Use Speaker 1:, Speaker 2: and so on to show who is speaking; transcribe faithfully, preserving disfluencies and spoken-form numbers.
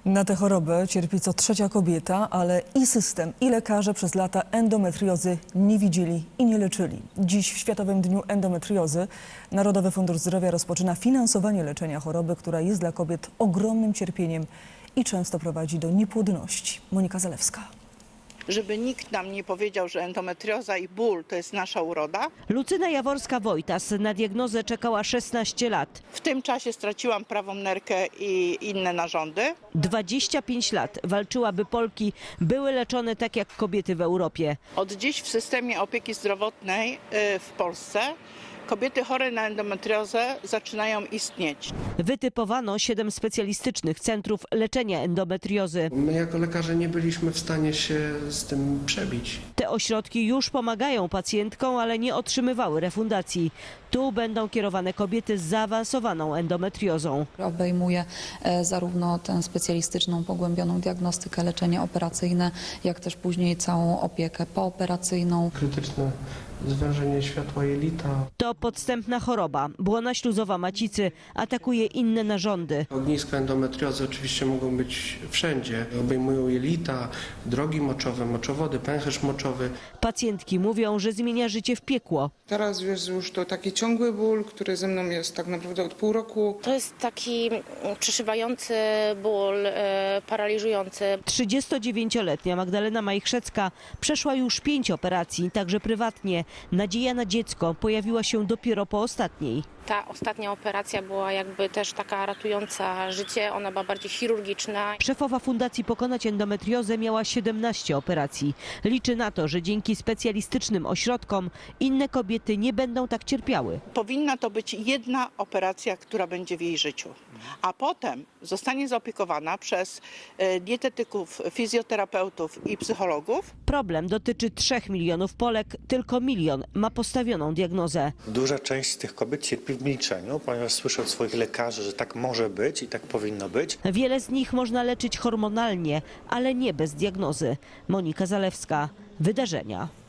Speaker 1: Na tę chorobę cierpi co trzecia kobieta, ale i system, i lekarze przez lata endometriozy nie widzieli i nie leczyli. Dziś w Światowym Dniu Endometriozy Narodowy Fundusz Zdrowia rozpoczyna finansowanie leczenia choroby, która jest dla kobiet ogromnym cierpieniem i często prowadzi do niepłodności. Monika Zalewska.
Speaker 2: Żeby nikt nam nie powiedział, że endometrioza i ból to jest nasza uroda.
Speaker 3: Lucyna Jaworska-Wojtas na diagnozę czekała szesnaście lat.
Speaker 2: W tym czasie straciłam prawą nerkę i inne narządy.
Speaker 3: dwadzieścia pięć lat walczyła, by Polki były leczone tak jak kobiety w Europie.
Speaker 2: Od dziś w systemie opieki zdrowotnej w Polsce kobiety chore na endometriozę zaczynają istnieć.
Speaker 3: Wytypowano siedem specjalistycznych centrów leczenia endometriozy.
Speaker 4: My jako lekarze nie byliśmy w stanie się z tym przebić.
Speaker 3: Te ośrodki już pomagają pacjentkom, ale nie otrzymywały refundacji. Tu będą kierowane kobiety z zaawansowaną endometriozą.
Speaker 5: Obejmuje zarówno tę specjalistyczną, pogłębioną diagnostykę, leczenie operacyjne, jak też później całą opiekę pooperacyjną.
Speaker 4: Krytyczne zwężenie światła jelita.
Speaker 3: To podstępna choroba. Błona śluzowa macicy atakuje inne narządy.
Speaker 4: Ogniska endometriozy oczywiście mogą być wszędzie. Obejmują jelita, drogi moczowe, moczowody, pęcherz moczowy.
Speaker 3: Pacjentki mówią, że zmienia życie w piekło.
Speaker 6: Teraz jest już to taki ciągły ból, który ze mną jest tak naprawdę od pół roku.
Speaker 7: To jest taki przeszywający ból, e, paraliżujący.
Speaker 3: trzydziestodziewięcioletnia Magdalena Majchrzecka przeszła już pięć operacji, także prywatnie. Nadzieja na dziecko pojawiła się dopiero po ostatniej.
Speaker 7: Ta ostatnia operacja była jakby też taka ratująca życie, ona była bardziej chirurgiczna.
Speaker 3: Szefowa Fundacji Pokonać Endometriozę miała siedemnaście operacji. Liczy na to, że dzięki specjalistycznym ośrodkom inne kobiety nie będą tak cierpiały.
Speaker 2: Powinna to być jedna operacja, która będzie w jej życiu, a potem zostanie zaopiekowana przez dietetyków, fizjoterapeutów i psychologów.
Speaker 3: Problem dotyczy trzech milionów Polek, tylko milion ma postawioną diagnozę.
Speaker 8: Duża część z tych kobiet cierpi w milczeniu, ponieważ słyszy od swoich lekarzy, że tak może być i tak powinno być.
Speaker 3: Wiele z nich można leczyć hormonalnie, ale nie bez diagnozy. Monika Zalewska, Wydarzenia.